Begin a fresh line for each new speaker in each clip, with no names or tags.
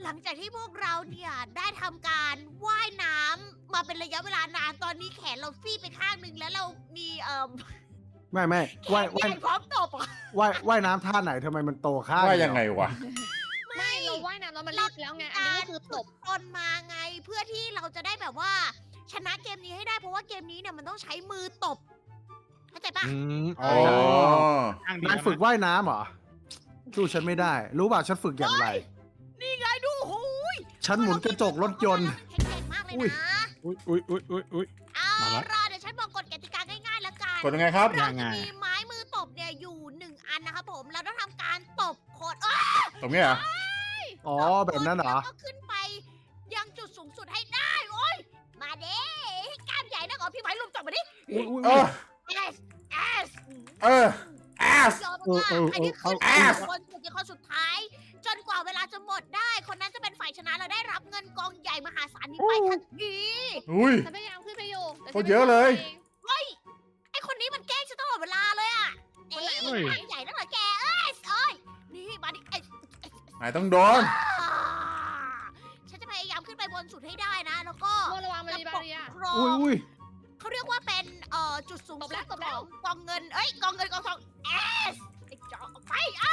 หลังจากที่พวกเราเนี่ยได้ทำการว่ายน้ำมาเป็นระยะเวลานานตอนนี้แขนเราฟี่ไปข้างหนึ่งแล้วเรามี
ไม่
แข
ว่าย
นใหญ่พร้อมตบอ่ะ
ว่ายน้ำท่าไหนทำไมมันโตข้าง
ว่ายังไงวะ
ไม่เราว่ายน้ำแล้วมันรีบแล้วไงอันนี้ก็คือตบ
ตนมาไงเพื่อที่เราจะได้แบบว่า ชนะเกมนี้ให้ได้เพราะว่าเกมนี้เนี่ยมันต้องใช้มือตบเข้าใจปะ
อ๋อ
ข้างเดีย
นายฝึกว่ายน้ำเหรอสู้ฉันไม่ได้ รู้ป่ะฉันฝึกอย่างไร
นี่ไงดูโอ้โหย
ฉันหมุนกระจกรถยนต์
แข็งแกร่งมากเลย
อุ้ย
นะ
อุ้ย
เอา
มาแล้ว
ล่ะเดี๋ยวฉันบอกกฎกติกาง่ายๆแล้วกัน
กดยังไงครับ
เรา
ยังไง
จะมีไม้มือตบเนี่ยอยู่1 อันนะครับผมเราต้องทำการตบโคด
ตรงนี้เหรอ
อ๋อแบบนั้นเหรอ
แล้วก็ขึ้นไปยังจุดสูงสุดให้ได้โอ้ยมาเด้กล้ามใหญ่นะขอพี่ไม้ลุมจับมาดิ
อุ้ย
เออ
S
เออแอส
ยอมมากๆใครที่ขึ้นไป
Ass
คนสุดที่คนสุดท้าย จนกว่าเวลาจะหมดได้ คนนั้นจะเป็นฝ่ายชนะและได้รับเงินกองใหญ่มหาศาลนี้ไปทันที
อุ้ย
ฉันพยายามขึ้นไปอยู่แต่
โคตรเยอะเลย
ไอคนนี้มันแกล้งฉันตลอดเวลาเลยอ่ะเอ้ยกล้ามใหญ่นั่นเหรอแกเอ้ยนี่มาดิ
นายต้องโดน
ฉันจะพยายามขึ้นไปบนสุดให้ได้นะ แล้วก็
โมระวังมันมีบาเรีย
ครอ
อุ้ย
เขาเรียกว่าเป็นจุดสูงสุด
ตบแล้ว
ของกองเงินกองเงินกองทองเอสไอ้จอไป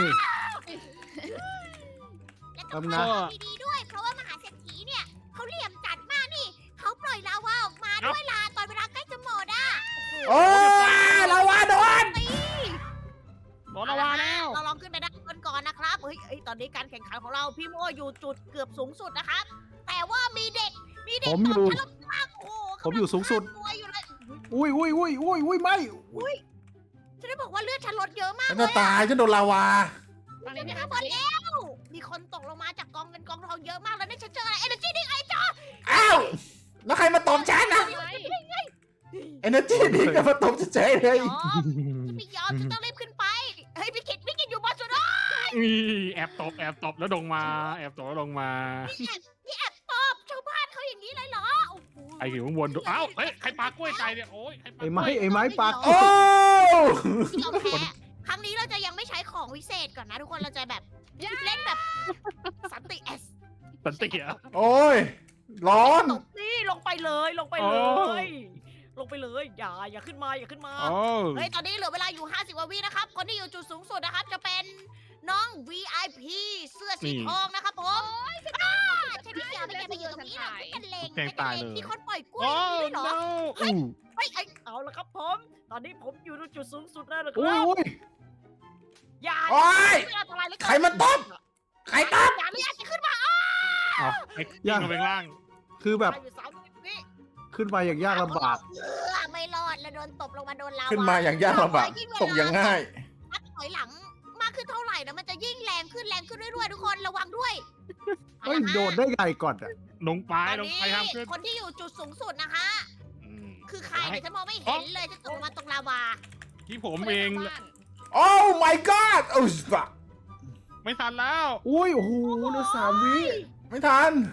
แล้วก็ขอดีๆด้วย เพราะว่ามหาเศรษฐีเนี่ยเขาเหลี่ยมจัดมากนี่เขาปล่อยลาวาออกมาด้วยลาตอนเวลาใกล้จะหมดอ่ะ
โอ้ยเราว่าโดน
โดนละวาแล้ว
เราลองขึ้นไปด้านบนก่อนนะครับเฮ้ยตอนนี้การแข่งขันของเราพี่โมอยู่จุดเกือบสูงสุดนะครับแต่ว่ามีเด็ก
ผมอยู่
ตบฉันลงล่างโอ้โห
ผมอยู่สูงสุด
กำลัฆ่าตัวอยู่เลย
อุ้ยไม่
ฉันได้บอกว่าเลือดฉันลดเยอะมาก
ฉัน
เล
จะ
ย
ตายฉันโดนลาวา
ตอนนี้
มี
มี
ข้างบนแล้วมีคนตกลงมาจากกองเงินกองทองเยอะมากแล้วนี่ฉันเจออะไรเอเนจีดิ้งไอ้จอ
อ้าว แล้วใครมาตบฉันนะ
อะไร
เอเนจีนี่ก็มาตบเฉยๆเลย
ยอมจะไม่ยอมฉันต้องรีบขึ้นไปเฮ้ยพี่กิดอยู่บนสุดอ่ะ
แอบตบแล้วลงมา แอบตบแล้วลงมา
นี่แอบตบชาวบ้านเขาอย่างนี้เลยเหรอโอ้โห
ไอ้อยู่ข้างบนดูอ้าวเฮ้ยใครปากล้วยใส่เนี่ยโอ้ยใครปา
ไอ้
ก
ไม้
ล้วย
ไอ้ไม้ปาก
โอ้
ยอมแพ้ครั้งนี้เราจะยังไม่ใช้ของวิเศษก่อนนะทุกคนเราจะแบบเล่นแบบสันติเอส
สันติเหรอ
โอ้ย ร้อน
ตบนี่ลงไปเลยลงไป
โอ้
เลยลงไปเลยอย่าขึ้นมาอย่าขึ้นมา
โอ้
เฮ้ย ตอนนี้เหลือเวลาอยู่ 50 กว่าวินะครับ คนที่อยู่จุดสูงสุดนะครับ จะเป็นน้อง VIP เสื้อสีทองนะครับผมใช่พี่เกียวไม่แกไปอยู่ตรงนี้หรอกฉันเลงมีคนปล่อยกล้วย
โอ้
ด้วยเหรอ
no
เฮ้ยเอาละครับผม ตอนนี้ผมอยู่จุดสูงสุดแล้วนะค
อุ้
รับ
ย
อย่า
โอ้ย
ไม่อันตรายเลย
ใครมาตบ ใครตบ
อย่าไม่อยากจะขึ้นมา
เอาไอ้ยิงลงไปข้างล่าง
คือแบบ
อยู่30 วิ
ขึ้นไปอย่างยากลำบาก
ไม่รอดแล้วโดนตบลงมาโดนลาว
ขึ้นมาอย่างยากลำบากตกอย่างง่าย
นับถอยหลังมากขึ้นเท่าไหร่นะมันจะยิ่งแรงขึ้นเรื่อยๆทุกคนระวังด้วย
เฮ้ยโดดได้ไงก่อนอ่ะ
ลงไป
ตอน
ลง
นี้
ไปห้ามขึ้น
คนที่อยู่จุดสูงสุดนะคะ
อืม
คือใครเนี่ยฉันมองไม่เห็นเลยจะตกลงมาตรงลาวา
ที่ผมเอง
โอ้ my god โอ้ยบะ
ไม่ทันแล้ว
อุ้ยโอ้โหเหลือ3 วิ
ไม่ทัน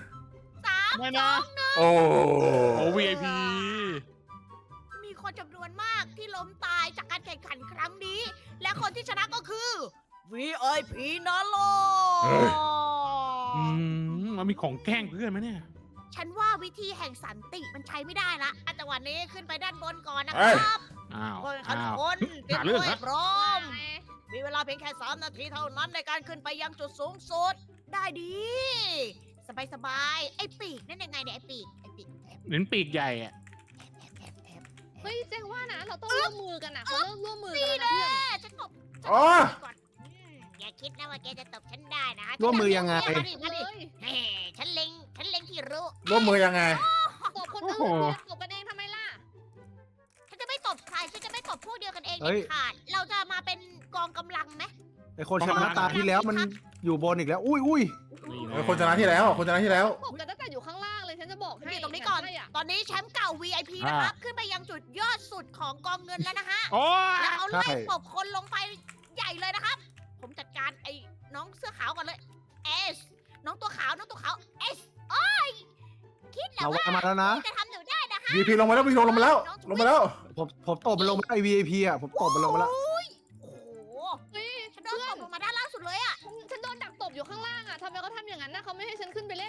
3
ไม่นะ
โอ้
โอ้ VIP
มีคนจำนวนมากที่ล้มตายจากการแข่งขันครั้งนี้ และคนที่ชนะก็คือ VIP นะโล
มันมีของแกล้งเพื่อนไหมเนี่ย
ฉันว่าวิธีแห่งสันติมันใช้ไม่ได้ละอ่ะจังหวะนี้ขึ้นไปด้านบนก่อนนะค
เอ้ย
รับ
อ้าว
คนขัน
อ้าว
คนเตรียม
หาเรื่
ตั
อง
วให้
ฮะ
พร้อม มีเวลาเพียงแค่3 นาทีเท่านั้นในการขึ้นไปยังจุดสูงสุด ได้ดี สบายๆไอ้ปีกนั่นยังไงเนี่ยไอ้ปีกแอบ
เน้นปีกใหญ่อะ
เฮ้ยเจ๊ว่านะเราต้องร่วมมือกันนะเขาเริ่มร่วมมือกันแล้วนะ
แน่
เพื่อน
ฉันตบ
อ๋อ
ก่อนอย่าคิดนะว่าแกจะตบฉันได้นะ
ร่วมมือยังไง
มาดิ
เล
มาดิ
ย
แหมฉันเล็งที่รู้
ร่วมมือยังไง
ตบคนอื่นเนี่ยตบกันเองทำไมล่ะ
ฉันจะไม่ตบใครฉันจะไม่ตบพวกเดียวกันเอง
เฮ้
เด็
ย
ดขาดเราจะมาเป็นกองกำลังไหม
ไอคนชนะตาที่แล้วมันอยู่บนอีกแล้ว อุ้ย
นี่
เออคนชนะที่แล้วคนชนะที่แล้ว
ตบกันตั้งแต่อยู่ข้างล่างเลยฉันจะบอกให้
นี่ตรงนี้ก่อน
ใช่ะ
ตอนนี้แชมป์เก่า VIP นะครับ ขึ้นไปยังจุดยอดสุดของกองเงินแล้วนะฮะ
โอ้ย
แล้วเขาไล่ตบคนลงไปใหญ่เลยนะครับ ผมจัดการไอ้น้องเสื้อขาวก่อนเลยเอสน้องตัวขาวเอสโอ้ยคิดแล้
เรา
วว่า
ว่ามาแล้วนะ
จะทำหนูได้นะ
VP ลงมาแล้ว VP ลงมาแล้ว ลงมาแล้ว
ผมตบมันลงมาไอ VIP อ่ะผมตบมันลงมาแล้ว
โอ้โห
เฮ้ย
ฉันโดนตบลงมาด้านล่างสุดเลยอะ
ฉันโดนดักตบอยู่ข้างล่างอ่ะทำไมเขาทำอย่างนั้นนะเขาไม่ให้ฉันขึ้นไป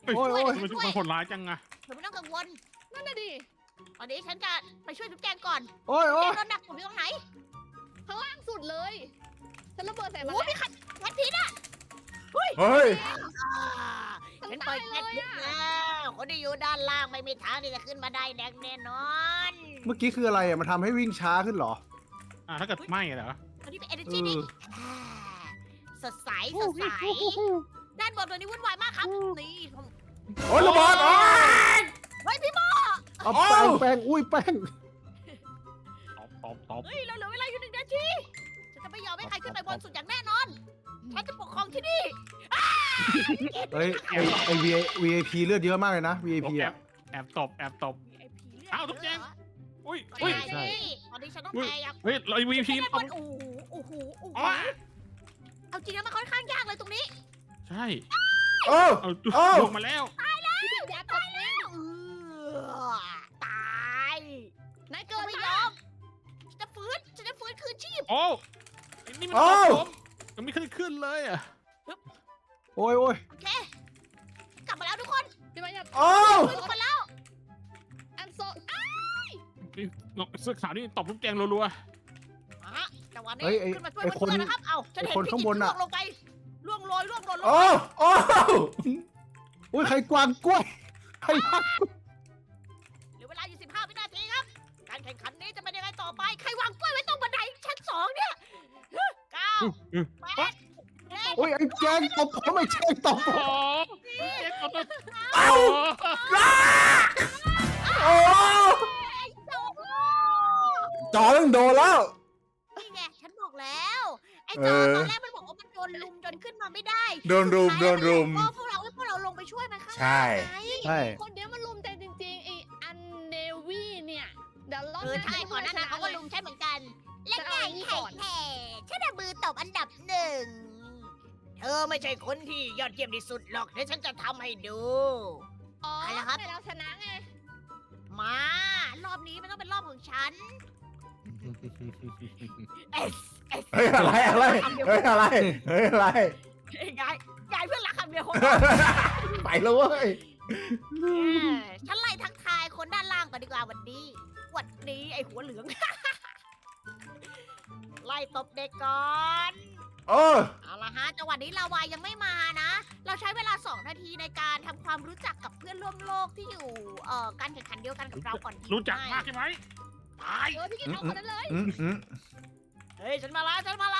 เฮ้ย
โอ้ยโอ้ย
ทำไมทุกคนโหดร้ายจังอะ
เธอไม่ต้องกังวล
นั่นน่ะดิ
ตอนนี้ฉันจะไปช่วยจุ๊บแจงก่อน
โอ้ย
แจ
โอ้ย
งโดนดักผมอยู่ตรงไหน
ข้างล่างสุดเลยฉันระเบิดใส่มัน
โอ้มีขัดแคทพิษอ่ะ
เฮ้ย
ฉันปล่อยแคทพิษแล้วคนที่อยู่ด้านล่างไม่มีทางที่จะขึ้นมาได้แน่นอน
เมื่อกี้คืออะไรอ่ะมันทำให้วิ่งช้าขึ้นเหรอ
ถ้าเกิดไหม้เหรอ
ตอนนี้เป็น energy นี่สดใสสดใสด้านบนตัวนี้วุ่นวายมากครับนี่ผม
โอ้ยระเบิดโอ้ย
เฮ้ยพี่โม
เอา
โอ้
แป้งอุ้ยแป้ง
ตอบ
เฮ้ยเราเหลือเวลาอยู่1 นาทีฉันจะไม่ยอมให้ใครขึ้นไปบนสุดอย่างแน่นอนฉันจะปกครองที่นี่
เฮ้ยไอ VIP เลือดเยอะมากเลยนะ VIP อ่ะ
แอบตบ
ไอ้ผีเลือด
อ้าวทุกแจง อุ้ย
ใช่
อุ้ย
ใช่
ตอนนี้ฉันต้องพยายาม
เฮ้ยเรา MVP
ด้านบ
ตบ
นโอ้โห
อ๋อ
เอาจริงแล้วมันค่อนข้างยากเลยตรงนี้
ใช่
โอ้
เอา
โอ้
ลงมาแล้ว
พี่กิตอย่าตกนะ
ตาย
นาย
เกิ
เกิ
ด
น
ไม่
ไป
ยอมฉันจะฟื้นคืนชีพ
โอ้นี่มันตบผมยังไม่ขึ้นเลยอะ
โอ้ยโอ้ย
โอเค กลับมาแล้วทุกคน
พี่มาอย่า
โอ้
ฟื้นทุกคนแล้ว
อันโซ
เสื้อขาวนี่ตบลูกแจงรัว
แต่วันนี้
เฮ้ยไอ
ขึ้นมาช่วย
ไอ
เพื่
คน
อนๆนะครับ เอ้าฉันเห็น
ไอ้คน
พี่
ข้าง
กิ
บ
ต
น
ล่
น่ะ
วงลงไปล่วงโรย
โอ้โอ้
อุ้ยใครกวางกล้วยใครวาง
เหลือเวลาอยู่15 วินาทีครับ การแข่งขันนี้จะเป็นยังไงต่อไป ใครวางกล้วยไว้ตรงบันไดชั้น2เนี่ย9 8 7
อุ้ยไอ้แจงตบผมไม่แจงตบ
ๆ
ผม
โอ้แจงตบ
เอ้าโอ้ จอต้องโดนแล้ว
นี่ไงฉันบอกแล้ว ไอ้จอตอนแรกมันบอกว่ามันโดนลุมจนขึ้นมาไม่ได้
โดนรุมโดนรุม
ก็พวกเราลงไปช่วยมันข้าง
ใช่
ล่างไง
ใช่
คนเดียวมันลุมแต่จริงๆไออันเนวี่เนี่ยเดี๋ยวรอบ
ใช่ก่อนหน้านั้นเขาก็ลุมใช่เหมือนกัน และไงแข่แข่ฉันเอามือตบอันดับ1 เธอไม่ใช่คนที่ยอดเยี่ยมที่สุดหรอกเดี๋ยวฉันจะทำให้ดู
อ๋อ
ใครล่ะครับ
แต่เราชนะไง
มารอบนี้มันต้องเป็นรอบของฉัน เอส
เฮ้ยอะไรอะไรเฮ้ยอะไรเฮ้ยอะไร
ยายเพื่อนรักคำเดียว
ไปแล้วเว้ย
ฉันไล่ทักทายคนด้านล่างก่อนดีกว่าวันนี้ไอ้หัวเหลือง ไล่ตบเด็กก่อน
โอ้
เอาละฮะจังหวะนี้ลาวายังไม่มานะ เราใช้เวลา2 นาทีในการทำความรู้จักกับเพื่อนร่วมโลกที่อยู่การแข่งขันเดียวกันกับเราก่อนดี
รู้จักมากใช่ไหมตาย
พี่กิตเอาคนนั้นเลย
เฮ้ยฉันมาแล้ว โอ้โห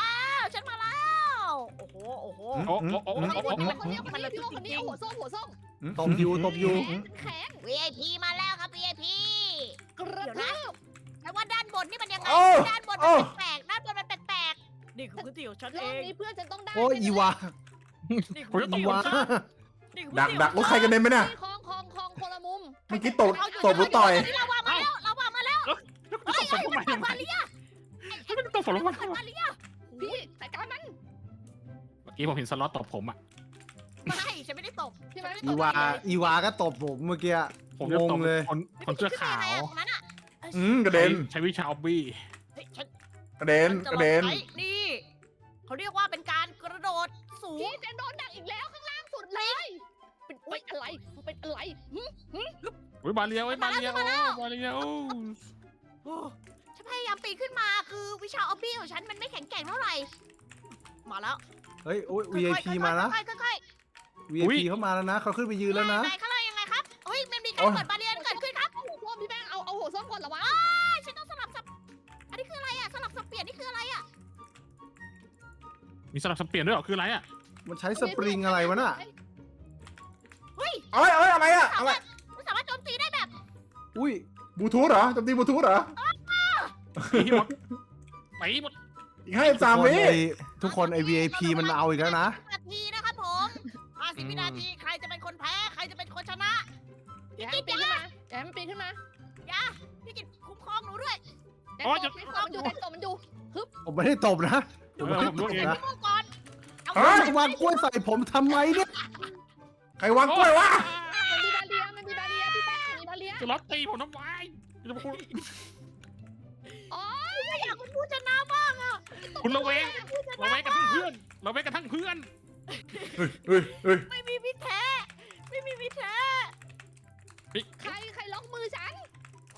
โอ้โห
คนนี้พี่โลคนนี้เอาหัวส้ม
ตบอยู่ตบอยู่
แข็ง
VIP มาแล้วครับ VIP
กระ
เดี๋ยว
ทื
นะ
บ
แต่ว่าด้านบนนี่มันยังไง
โอ้
ด้านบนมันแปลกๆด้านบนมันแปลกๆนี่คือพื้นที่ของฉัน
ร
เอ
อบ
ง
นี้เพื่อนฉันต้องได้
โอ้ยอีวา
นี่
ผมจะตบ
อี
ผม
วา
นี่คือ
ดักรถใครกันเด็นไหมเนี่ย
คลองคนละมุม
เมื่อกี้ตบหรือต่อย
ลาวามาแล้วลาวามาแล้ว
แล้วคุณตบผมทำไม
เปิดบาเรีย
ไม่ได้ตบผมทำไม
เปิดบาเรีย
พี่จัดการมัน
เมื่อกี้ผมเห็นสล็อตตบผมอ่ะ
ไม่ฉันไม่ได้ตบ
พี่มัน
อีวาก็ตบผมเมื่อกี้
ผมจะตบ
งงเลย
คนเสื้อขาว
ตรงนั้นอ่ะ
กระเด็น
ใช้วิชาออบบี้
เฮ้ยฉัน
กระเด็นกระเด็น
นี่เขาเรียกว่าเป็นการกระโดดสูง
พี่จะโดนดักอีกแล้วข้างล่างสุดเลยเป็นอะไรเป็นอะไร
โอ้ยบาเลียโอ้ยบาเลียโอ้บาเลียโอ้
โอ้ฉันพยายามปีนขึ้นมาคือวิชาออบบี้ของฉันมันไม่แข็งแกร่งเท่าไหร่ มาแล้ว
เฮ้ยโอ้ย VIP มานะ
ค่อย
VIP เข้ามาแล้วนะเขาขึ้นไปยืนแล้วนะ
ไหนข้างล่างยังไงครับเฮ้ยมันมีการเปิดบาเรียนเกิดขึ้นครับ
เอาหัวส้มพี่แป้งเอาหัวส้มก่อนเหรอวะ
ฉันต้องสลับสับอันนี้คืออะไรอ่ะสลับสับเปลี่ยนนี่คืออะไรอ่ะ
มีสลับสับเปลี่ยนด้วยเหรอคืออะไรอ่ะ
มันใช้สปริงอะไรวะน่ะ
เฮ้ย
เอ้ยอะไรอะอะไร
มันสามารถโจมตีได้แบบ
อุ้ย
บลูทูธเหรอจำตีบลูทูธเหรอ
ตีหมดตีหมด
อีก53 วิ
ทุกคนไอ VIP มันเอาอีกแล้วนะ
นาทีนะครับผม50 วินาทีใครจะเป็นคนแพ้ใครจะเป็นคนชนะ
อย่าให้มันปีนขึ้นมาอย่าให้มันปีนขึ้นมา
พี่กิตคุ้มครองหนูด้วย
แต่ตบมันอยู่
ผมไม่ได้ตบนะ
ผมรู้เอง
พี่โมก่อนเอา
เฮ้ย
วางกล้วยใส่ผมทำไมเนี่ย
ใครวางกล้วยวะ
มันมีบาเลียพี่แป้งมีบาเลีย
สล็อตตีผมทำไมจะพูด
ไม่อยากเป็นผู้ชนะบ้างอ่ะ
คุณระแวงกันทั้งเพื่อนระแวงกันทั้งเพื่อน
เฮ้ย
ไม่มีพิษแท้ไม่มีพิษแท้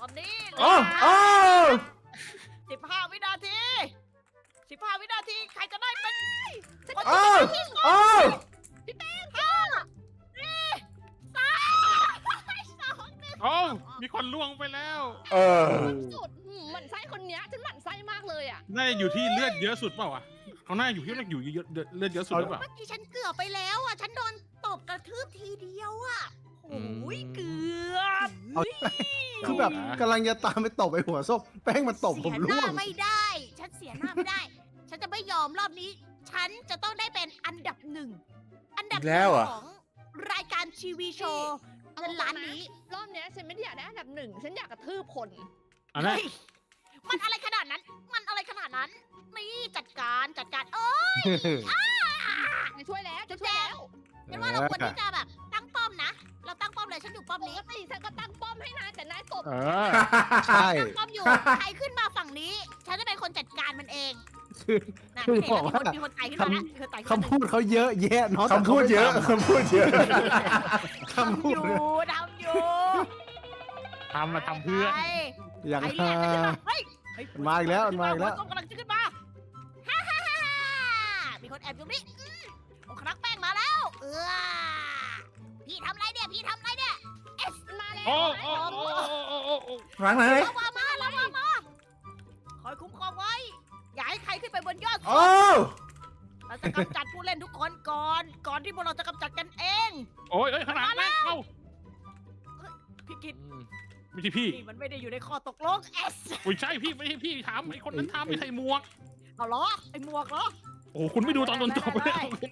อนนี้
โอ้โอ้
15 วินาที 15 วินาที ใครจะได้เป็นคน
โอ้
ที่ชนะที่สุด
โอ้
พี่แป้ง5 4 3 2 1
โอ้มีคนล่วงไปแล้ว
เออ
สุดหมั่นไส้คนเนี้ยฉันหมั่นไส้มากเลยอ่ะ
น่าจะอยู่ที่เลือดเยอะสุดเปล่าวะเขาน่าอยู่ที่เลือดเยอะเลือดเยอะสุดหรือเปล่า
เมื่อกี้ฉันเกือบไปแล้วอ่ะ ฉันโดนตบกระทืบทีเดียวอ่ะ โอ้ยเกือบ
เอา คือแบบกำลังจะตามไปตบไอ้หัวส้มแป้งมันตบผม
เสียห
ร่
น้าว
ง
ไม่ได้ ฉันเสียหน้าไม่ได้ ฉันจะไม่ยอมรอบนี้ ฉันจะต้องได้เป็นอันดับหนึ่ง อันดับห
อีกแล้
นึ่
ว
ง
เหรอ
ของรายการทีวีโชว์เงินล้านนี้
รอบเนี้ยฉันไม่ได้อยากได้อันดับ 1 ฉันอยากกระทืบคน
อันนั้น
เฮ้ยมันอะไรขนาดนั้น มันอะไรขนาดนั้น นี่จัดการ เออ
จะช่วยแล้วจะช่วยแล้ว
ฉันว่าเราควรที่จะแบบตั้งป้อมนะ เราตั้งป้อมเลย ฉันอยู่ป้อม
ป
นี้
กติฉันก็ตั้งป้อมให้นายแต่นายตบ
เออ
ใช่
ตั้งป้อมอยู่ ใครขึ้นมาฝั่งนี้ ฉันจะเป็นคนจัดการมันเอง
คือ
นะ
คือ
เห็น
บ
แล้
อ
ว
กว่า
มีคนไต่ขึ้นมาแล้วมีคนไต่ขึ้นมา
คำพูดเขาเยอะแยะเนาะ
คำพูดเยอะ คำพูดเยอะ
คำพู
ทำ
ด
อยู่ทำอยู่
ทำเพื่อ
ใคร
อย่าง
ใคร
ฮา
เรียกจะขึ้นมาเฮ้ยเฮ้ย
มันมาอีกแล้วมันมาอีกแล้ว
หัส้มกำลังจะขึ้นมาฮ่าฮ่าฮ่าฮ่ามีคนแอบอยู่นี่โอ้ครักแป้งมาแล้ว พี่ทำไรเนี่ย พี่ทำไรเนี่ย
มาแล้ว
โอ้โอ้โอ้โอ้โอ้โอ้
ครั้งไหน
ระวังมาระวังมาคอยคุ้มครองไว้ อย่าให้ใครขึ้นไปบนยอด
โอ้
เราจะกำจัดผู้เล่นทุกคนก่อนที่พวกเราจะกำจัดกันเอง
โอ้ยขนาดนั้นเข้า
พี่กิต
ไม่ใช่พี่
นี่มันไม่ได้อยู่ในข้อตกลง
ไม่ใช่พี่ไม่ใช่พี่ถามไอ้คนนั้นถามไม่ใส่หมวก
เอาเหรอ ไอ้หมวกเหรอ
โอ้คุณไม่ดูตอนโดนตบเลย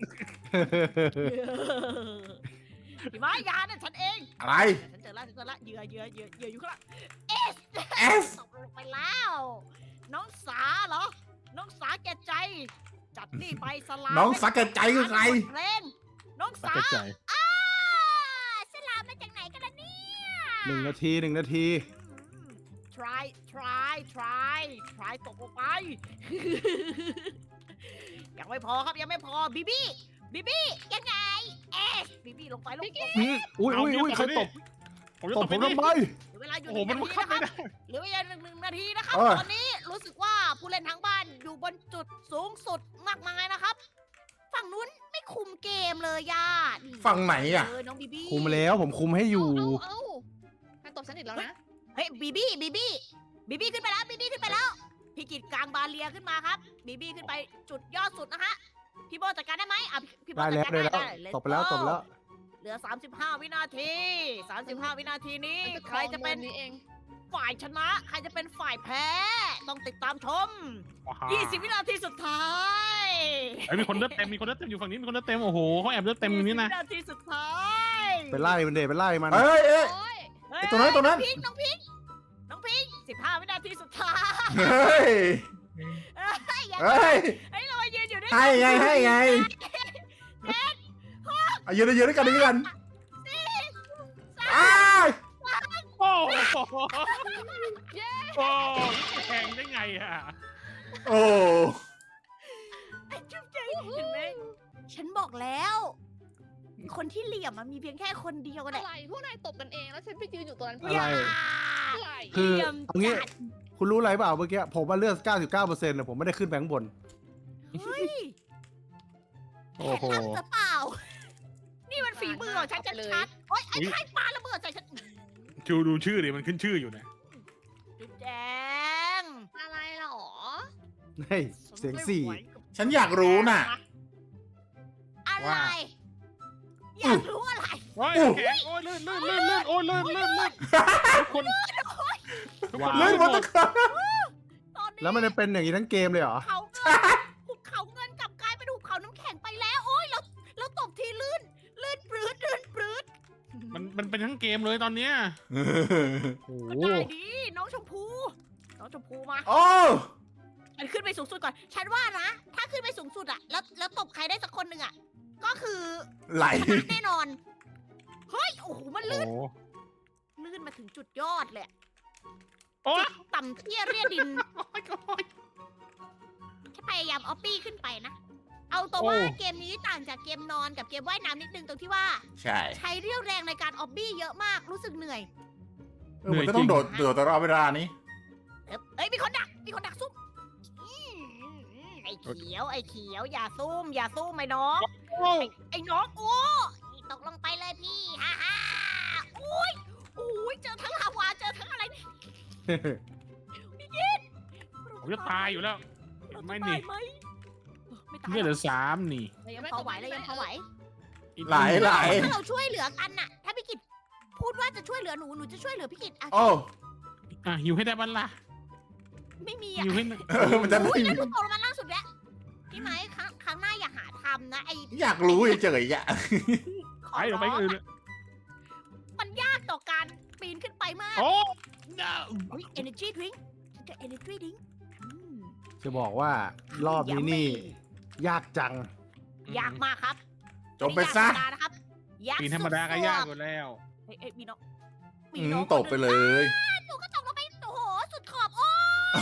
พี่ไม้ยานั่นฉันเอง
อะไร
ฉันเจอแล้วเหยื่ออยู่ข้างหลัง
S
ตกลงไปแล้ว น้องสาเหรอ น้องสาแก่ใจ จัดนี่ไปสลาม
น้องสักแก่ใจคือใคร
เพลงน้องสา
ตัดใจ
สลามมาจากไหนกันล่ะเนี่ย
1 นาที 1 นาที
try ตกลงไป ยังไม่พอครับยังไม่พอบีบี้ยังไงบีบี้ลงไปลงไป
อุ้ยใครตบ
ผมจะ
ต
ต
บบ ผ
ไป
ม
นี่
ทำไม
เวลาอยู่
โอ้
ห
โห
นึ่ง
มัน
นาที
บังคับ
นะค
ไม่
รับ
ได้
เหลือเวลาหนึ่งนาทีนะครับ
เออ
ตอนนี้รู้สึกว่าผู้เล่นทั้งบ้านอยู่บนจุดสูงสุดมากมายนะครับ ฝั่งนู้นไม่คุมเกมเลยย่านี่
ฝั่งไหนอ่ะ
น้องบีบี้
คุมแล้วผมคุมให้อยู่
เอานายตบฉันอีกแล้วนะ
เฮ้ยบีบี้ขึ้นไปแล้วพี่กิดกลางบาเลียขึ้นมาครับบีบี้ขึ้นไปจุดยอดสุดนะคะพี่โบจัดการได้ไหมอ่ะพี่โบ
ได้
จัด
แล้ว
การ
ได้แล้ว
Let's
ตบไปแล้ว
go
ตบไปแล้ว
เหลือ 35 วินาที 35 วินาทีนี้ ใครจะเป็น
นี้เอง
ฝ่ายชนะ ใครจะเป็นฝ่ายแพ้ ต้องติดตามชม 20 วินาทีสุดท้าย
ไอ้มีคนเลือดเต็มอยู่ฝั่งนี้มีคนเลือดเต็มโอ้โหเขาแอบเลือดเต็มอยู่นี่นะ
20 วินาทีสุดท้าย
ไปไล่มันเดไปไล่มัน
เอ้ยเอ้ย
โอ้ย
เฮ้ย
ไอ้ตัวนั้น
น้องพิง15 วินาทีสุดท้าย
เฮ้ย
อย่า
เฮ้ย
ให้เรามายืนอยู่ด้วย
ให้ไงอ่ะยืนด้วยกันอ้าย
โอ้โหโอ้แข่งได้ไงอ่ะ
โอ้
ไอ้จุ๊บเจ๊เห็นไหมฉันบอกแล้ว คนที่เหลี่ยมมันมีเพียงแค่คนเดียวแห
อะ
ละ
ไรพวกนายตบกันเองแล้วฉันไปยืนอยู่ตรงนั้น
อะไร
อย่า
อะไร
คือ
เหลี่ยม
เอางี้
จัด
คุณรู้อะไรเปล่าเมื่อกี้ผมว่าเลือด 99%นะผมไม่ได้ขึ้นไปข้างบน
เฮ้ย
โอ้โห
แผนลับหรือเปล่า นี่มันฝีมือของฉันชัดๆโอ๊ยไอ้ใครปาระเบิดใส่ฉัน
ชูดูชื่อดิมันขึ้นชื่ออยู่นะ
จุ๊บแจง
อะไรหรอ
เฮ้ยเสียงสี่
ฉันอยากรู้น่ะ
อะไร
ว่า
อยากรู้อะไร
โอ้ยแข็งโอ้ยลื่นโอ้ยลื่นทุกคนทุกคน
เล่นมาตั้งแต่
ตอนนี้
แล้วมันจะเป็นอย่างนี้ทั้งเกมเลยเหรอ
เขาเงินหุบเขาเงินกลับกลายเป็นหุบเขาน้ำแข็งไปแล้ว โอ๊ยเราตบทีลื่นปรื้ด
มันเป็นทั้งเกมเลยตอนเนี้ย
โอ้
ก็
โห
ได้ดีน้องชมพูมา
โอ้
ฉันขึ้นไปสูงสุดก่อน ฉันว่านะ ถ้าขึ้นไปสูงสุดอะแล้วตบใครได้สักคนหนึ่งอะก็คือ
ไหล
ชนะแน่นอน เฮ้ย โอ้โห มัน
โอ้
ลื่นมาถึงจุดยอดเลย
โอ้ย
ต่ำเตี้ยเรียดินฉันพยายามเอาปี้ขึ้นไปนะ เอาตัวว่าเกมนี้ต่างจากเกมนอนกับเกมว่ายน้ำนิดนึงตรงที่ว่า
ใช่
ใช้เรี่ยวแรงในการออบบี้เยอะมาก รู้สึกเหนื่อย
มันก็ต้องโดดตลอดเวลานี้
เอ้ยมีคนดักซุ่มไอ้เขียวอย่าซุ่มไอ้น้องไอ้น้องโอ้ตกลงไปเลยพี่ฮ่าฮ่าอุ้ยเจอทั้งลาวาเจอทั้งอะไรนี่
ผมจะตายอยู่แล้วไม่
ตา
นี่
ยไหมไม่ตาย
เลือดเหลือ3นี่
เรายังพอไหว
ไหล
ถ้าเราช่วยเหลือกันน่ะ ถ้าพี่กิตพูดว่าจะช่วยเหลือหนูจะช่วยเหลือพี่กิตอ่ะ
โอ้
หิวให้ได้บ้านละ
ไม่มีอ่ะ
หิวให้
มันจะ
อุ้ยแล้วหนูตกลงมาล่าสุดแล้วพี่ไหมครั้งหน้าอย่าหาทำนะไอ้
อยากรู้เฉยๆอ่ะ
ขอ
ไปลงไป
ร้อง
อื่น
อะมันยากต่อการปีนขึ้นไปมาก
โอ้
อุ้ย energy drink ฉันจะ energy drink อืม
จะบอกว่ารอบนี้นี่ ยากจัง
ยากมากครับ
จบไปซะ
ม่ยากธรรมดานะครับยาก
ปีนธรรมดาก็ยากอยู่แล้ว
เอ้ยมีน้อง
ตกไปเลย
หนูก็ตกลงไปโอ้โหสุดขอบโอ้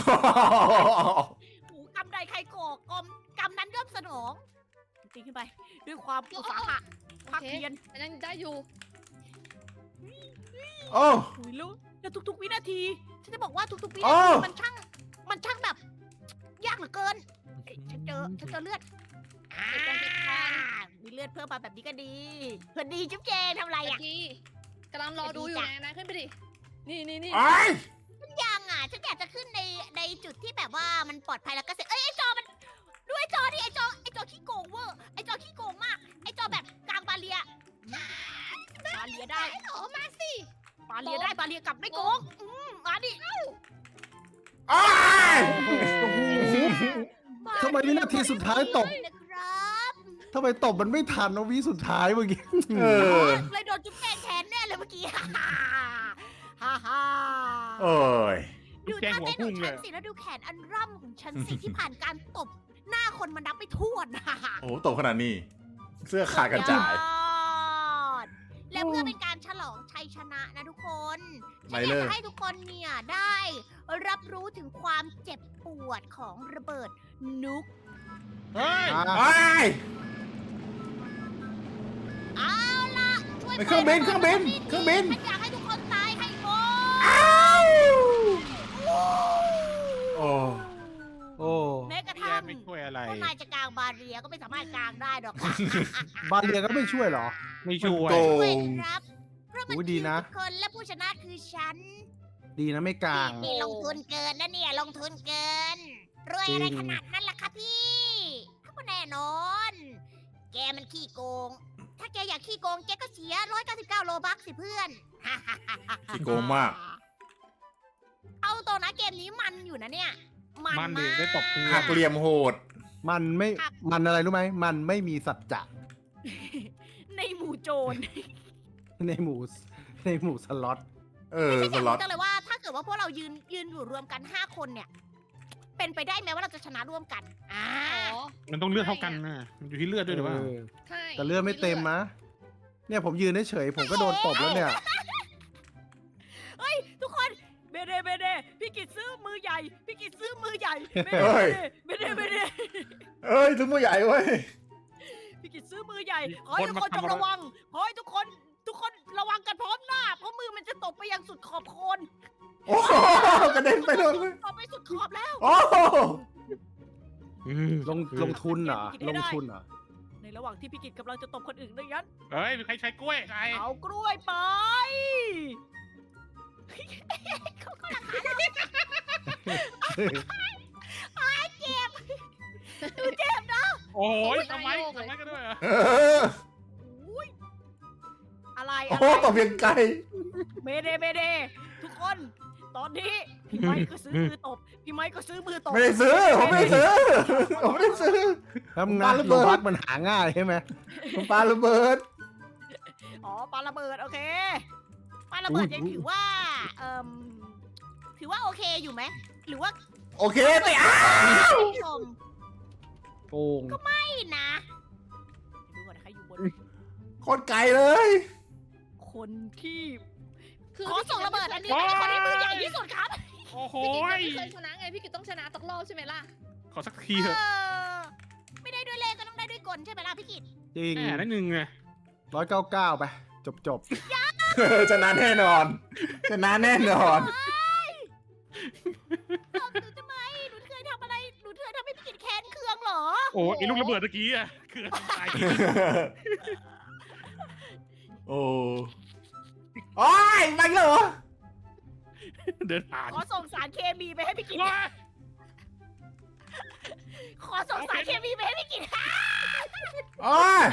โหกำใดใครก่อกำนั้นย่อมสนองจริงขึ้นไป ด้วยความอุตสาหะภาคเพียร
อันนั้นได้อยู่
โอ้
หุยลูกแล้วทุกๆวินาทีฉันจะบอกว่าทุกๆวิ
โอ้
นาทีมันช่างแบบ ยากเหลือเกินเอ้ยฉันเจอเลือดมีเลือดเพิ่มมาแบบนี้ก็ดีเพื่อนดีจุ๊บเจนทำอะไร
เมื่
อ่ะ
อกี้กำลังรอดูอยู่ไงนะขึ้นไปดิ นี่
ไอ้
ยังอ่ะฉันอยากจะขึ้นในจุดที่แบบว่ามันปลอดภัยแล้วก็เสร็จไอ้จอมันดูไอ้จอดิไอ้จอขี้โกงเวอร์ไอ้จอขี้โกงมากไอ้จอแบบกลางบาเรียได้
โอ้มาสิ
บาเรียกลับไม่โกงมาดิ
ไอ้
โอ้โห ทำไมวินาทีสุดท้ายตบ
นะครับ
ทำไมตบมันไม่ทันนะวิสุดท้ายเมื่อกี้
เออ
เลยโดนจุ๊บแกนแทนแน่เลยเมื่อกี้ฮ่าฮ่า
โอ้ย
ดูท่าเต้นของฉันสิแล้วดูแขนอันร่ำของฉันสิที่ผ่านการตบหน้าคนมันนับไม่ถ้วนนะ
โอ้โหตกขนาดนี้ เสื้อขาดกระจาย
ยอดและเพื่อเป็นการฉลองชัยชนะนะทุกคน
ไม่
ฉันอ
เลย
ยากจะให้ทุกคนเนี่ยได้รับรู้ถึงความเจ็บปวดของระเบิดนุก
เฮ้ย
ไอ้
เอาล่ะช่วย
ไปเครื่องบิน
ฉันอยากให้ทุกคนตายให้หมด
โอ้
โอ้
แม้กระ
แก
ทั่ง
ไม่ช่วยอะไร
พวกนายจะกางบาเรียก็ไม่สามารถกางได้หรอกค่ะ
บาเรียก็ไม่ช่วยเหรอ
ไม่ช่วย
โก
ช่วย
ง
ครับ เพราะมัน
โอ้ย
คื
ดี
อ
นะ
ทุกคนและผู้ชนะคือฉัน
ดีนะไม่กลาง
นี่ลงทุนเกินนะเนี่ยลงทุนเกิน รวยอะไร
จริง
ขนาดนั้นล่ะคะพี่ก็แน่นอน แกมันขี้โกง ถ้าแกอยากขี้โกงแกก็เสีย199 โลบัคสิเพื่อน
ขี้โกงมาก
เอาตัวนะเกมนี้มันอยู่นะเนี่ย มัน
มัน
มา
เด็กได้ตบ
ก
เพื่อ
หักเหลี่ยมโหด
มันไม่ มันอะไรรู้ไหม มันไม่มีสัจจะ
ในหมู่โจร
ในหมู่สล็อต
ไม่
ส
ใช่อยาก
ล็อต
รู้จังเลยว่าถ้าเกิดว่าพวกเรายืนอยู่รวมกัน 5 คนเนี่ย เป็นไปได้ไหมว่าเราจะชนะร่วมกัน
อ๋อ
มันต้องเลือดเท่ากันนะมันอยู่ที่เลือดด้วยหรือเปล่า
ใช่
แต่เลือดไม่เต็มนะ เนี่ยผมยืนเฉยๆผมก็โดนตบแล้วเนี่ย
ทุกคนเบเดพี่กิจซื้อมือใหญ่ พี่กิจซื้อมือใหญ่เบ
เฮ้ย
เด
เอ้ยถึงมือใหญ่เว้ย
พี่กิจซื้อมือใหญ่ขอให้ทุกคนจงระวังขอให้ทุกคนระวังกันพร้อมหน้า เพราะมือมันจะตบไปยังสุดขอบโคน
โอ้โหกระเด็นไปโดนเลย
ตบไปสุดขอบแล้ว
โอ้โห
ลงทุนเหรอ ลงทุนเหรอ
ในระหว่างที่พี่กิจกำลังจะตบคนอื่นดังนั้น
เฮ้ยมีใครใช้กล้วยใคร
เอากล้วยไปเขาก็หลังหาเราเจ็บนะ
โอ้ยทำไมกันด้วยอ่ะ
เออ
อุ้ยอะไร
โอ้โหตบเพียงไกล
เมเดทุกคน ตอนนี้พี่ไม้ก็ซื้อมือตบพี่ไม้ก็ซื้อมือตบ
ไม่ได้ซื้อ ผมไม่ได้ซื้อ ผมไม่ได้ซื้อ
ทำงาน
ปาระเบิ
โล
ด
บักมันหาง่ายใช่ไหม
ผมปาระเบิด
อ๋อปาระเบิดโอเคปาระเบิดยังถือว่าถือว่าโอเคอยู่ไหมหรือว่า
โอเคสิอ่ะ
ผู้ชม
โกง
ไม่นะเดี๋ยวดูก่อนใครอยู่บน
โคตรไกลเลย
คนที่
คือ
ขอส่งระเบิดอันนี้ให้คนที่มือใหญ่ที่สุดครับ
โอ้โห
พี่กิตไม่เคยชนะไงพี่กิตต้องชนะตกรอบใช่ไหมล่ะ
ขอสักทีเถอะ
ไม่ได้ด้วยเลขก็ต้องได้ด้วยกลใช่ไหมล่ะพี่กิต
จริง
แหมได้หนึ่งไง
199ไป จบ
อย่า
ชนะแน่นอนชนะแน่นอน
หนูทำไมหนูเคยทำอะไรหนูเคยทำให้พี่กินแค้นเคืองเหรอ
โอ้ไอ้ลูกระเบิดเมื่อกี้อะคือตาย
โอ้โอ้ยไปเหรอ
เดินผ่าน
ขอส่งสารเคมีไปให้พี่กิน
ว้า
ขอส่งสารเคมีไปให้พี่กิน
โอ้ย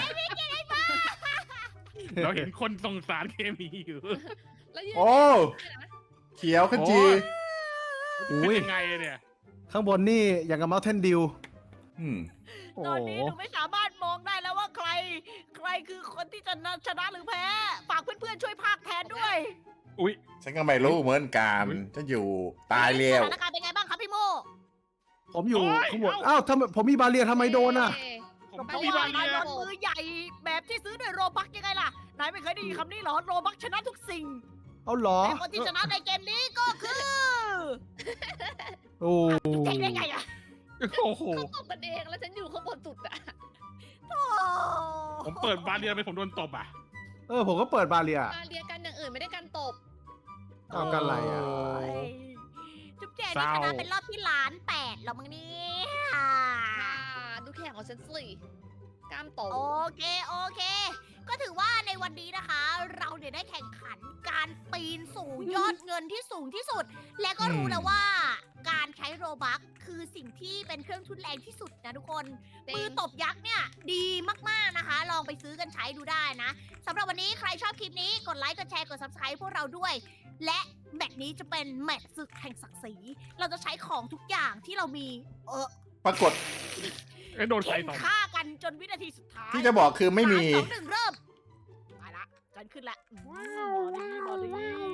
เราเห็นคนส่งสารเคมีอยู่
แล้วยืน
โอ้เขียวขจี
เป็นยังไงเนี่ย
ข้างบนนี่อย่างกับเมาเทนดิว
อืม
โอ้
ตอน
โห
นี้หนูไม่สามารถมองได้แล้วว่าใครคือคนที่จะชนะหรือแพ้ ฝากเพื่อนๆช่วยพากย์แทนด้วย
อุ้ย
ฉันก็ไม่รู้เหมือนกันฉันอยู่ตายเร็ว
สถานการณ์เป็นไงบ้างครับพี่โม
ผมอยู่ข้างบนอ้าวทำไมผมมีบาเรียทำไมโดนอ่ะ
ผม
เพ
ก็
ราะ
มี
ว่า
บาง
นาย
เรีย
โดนมือใหญ่แบบที่ซื้อด้วยโรบักยังไงล่ะ นายไม่เคยได้ยินคำนี้เหรอ โรบักชนะทุกสิ่ง
เอาเหรอ
แต่คนที่ชนะในเกมนี้ก็คือ
โอ้
เจ๊งได้ไงอะ
โอ้โห
เขาตบกันเองแล้วฉันอยู่ข้างบนสุดอะ
โอ้
ผมเปิดบาเรียไปผมโดนตบอ่ะ
ผมก็เปิดบาเรีย
มาเรียกันอย่างอื่นไม่ได้กันตบ
เอากันอะไรอ่ะ
ยจุ๊บแจงนี่ชนะเป็นรอบที่ล้านแปดแล้วมั้งเนี่ย
ดูแข่งของฉันสิกล้ามโต
โอเค ก็ถือว่าในวันนี้นะคะ เราเนี่ยได้แข่งขันการปีนสู่ยอดเงินที่สูงที่สุด และก็รู้แล้วว่าการใช้โรบัคคือสิ่งที่เป็นเครื่องทุนแรงที่สุดนะทุกคน มือตบยักษ์เนี่ยดีมากๆนะคะ ลองไปซื้อกันใช้ดูได้นะสำหรับวันนี้ใครชอบคลิปนี้กดไลค์กดแชร์กด subscribe พวกเราด้วย และแมตช์นี้จะเป็นแมตช์ศึกแห่งศักดิ์ศรีเราจะใช้ของทุกอย่างที่เรามี
ปรากฏ
โดนไฟ
เข็น
ตบ
ฆ่ากันจนวินาทีสุดท้าย
ที่จะบอกคือไม่มี
3 2 1 เริ่มไปละฉันขึ้นละมาดิ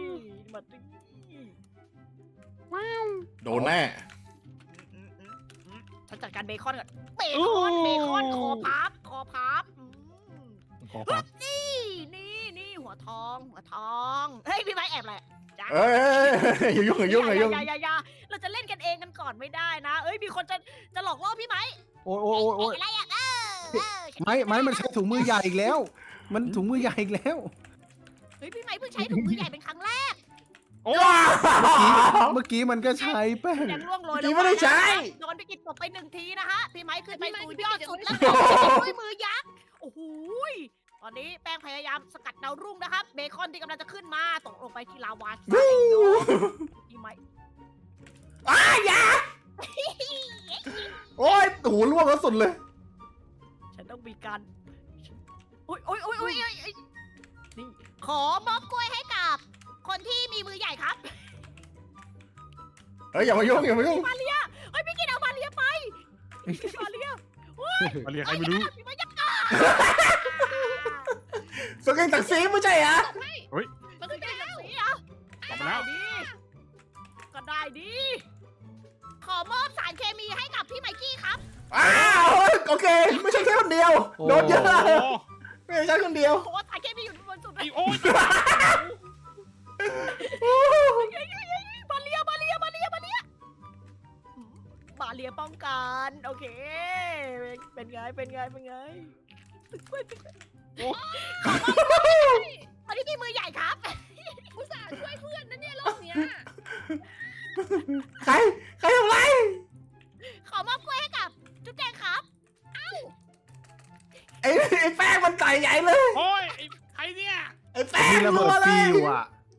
โดนแน่
ฉันจัดการเบคอนก่อนเบคอนคอพับ
ขอครับ
นี่หัวทองเฮ้ยพี่ไม้แอบเลย
เอ้ยอย่ายุ่งอย่ายุ่งอย่ายุ่ง
อย่าเราจะเล่นกันเองกันก่อนไม่ได้นะ เอ้ยมีคนจะหลอกล่อพี่ไม้
โอ้ย
อะไรอ่ะ
ไม้มันใช้ถุงมือใหญ่อีกแล้ว มันถุงมือใหญ่อีกแล้ว
เฮ้ยพี่ไม้เพิ่งใช้ถุงมือใหญ่เป็นครั้งแรก
โอ้
เมื่อกี้มันก็ใช้แป้ง
ยังล่วงโรย
เมื่อกี้ไม่ได้ใช้
โดนไปกินตบไป1 ทีนะฮะพี่ไม้ขึ้นไปสู่ยอดสุด
แล้
แล้ว วด้วยมือยักษ์โอ้โหตอนนี้แป้งพยายามสกัดดาวรุ่งนะครับเบคอนที่กำลังจะขึ้นมาตกลงไปที่ลาวาพี่ไม้
อ้ายอย่าโอ้ยหูร่วงแล้วสุดเลย
ฉันต้องมีการโอ้ยนี่ขอมอบกล้วยให้กับคนที่มีมือใหญ่ครับ
เฮ้ยอย่ามายุ่งอย่ามายุ่ง
มาเลียเฮ้ยพี่กินเอามาเลียไปมาเลีย
มาเรียกใครไม่รู้
พี่ไม้ยักษ์
สกิลตักซีไม่ใช่เหรอ
มันคือแก้ว
สีเหรอ
ตบแล้ว
ก็ได้ดีขอมอบสารเคมีให้กับพี่ไมกี้ครับ
อ้าวโอเค ไม่ใช่แค่คนเดียว โดนเยอะ
โอ้
ไม่ใช่แค่คนเดียว
โอ้สารเคมีอยู่บนสุดเล
ไอ้
ย
โอ้ย
มาเลียมาเลียป้องกันโอเคเป็นไงตอนนี้พี่มือใหญ่ครับ
อุตส่าห์ช่วยเพื่อนนะเนี่ยรอบเนี้ย
ใครทำไร
ขอมอบกล้วยให้กับจุ๊บแจงครับ
ไอ้แป้งมันใส่ใหญ่เลย
โอ้ยไอ้ใครเนี่ย
ไอ้แป้ง
มีระ
รั
เบิด
วเล
ฟิ
ยว
อ่ะ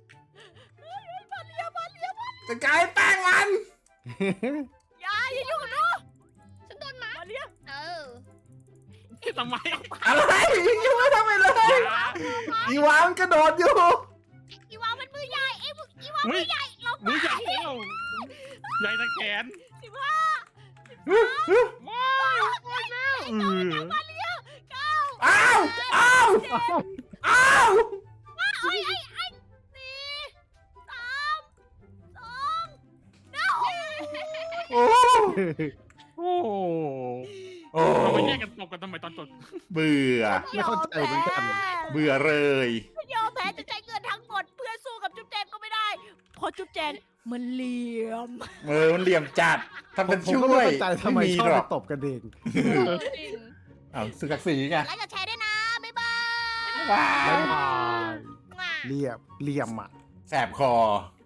จะกลายแป้งมัน
อย่ายุ่งกับหนู
ฉันโดนหมา
มาเลีย
เออ
ทำไม
อะไรยังไม่ทำอะไรเลย
อย่า
อีวามันกระโดดอยู่
อีวามันมือใหญ่อีวา
มือใหญ่มือใหญ่แล้วใหญ่ตะแขน ว้าว
อ้าวอ้าวอ้าว
4 3 2
โอ้
โอ้
โอ้
เราไปแยกกันตบกันทำไมตอนจบ
เบื่อ
ไม่เข้าใจเหมือนกัน
เบื่อเลย
ยอมแพ้จะใช้เงินทั้งหมดเพื่อสู้กับจุ๊บแจงก็ไม่ได้เพราะจุ๊บแจงมันเหลี่ยม
มันเหลี่ยมจัดทำเป็น
ผม
ช่
ก็
ว
ไม่
ย
เข้าใจทำไม
ไม่มี
ชอบ
หร
ไป
อก
ตบกันเอง
จริง
อ้าวสึกศักดิ์ศรีไง
ไลค์กับแชร์ด้วยนะบ๊ายบาย
ว้า
บ๊ายว บาย
ว้าว
เหลี่ยมอ่ะ
แสบคอ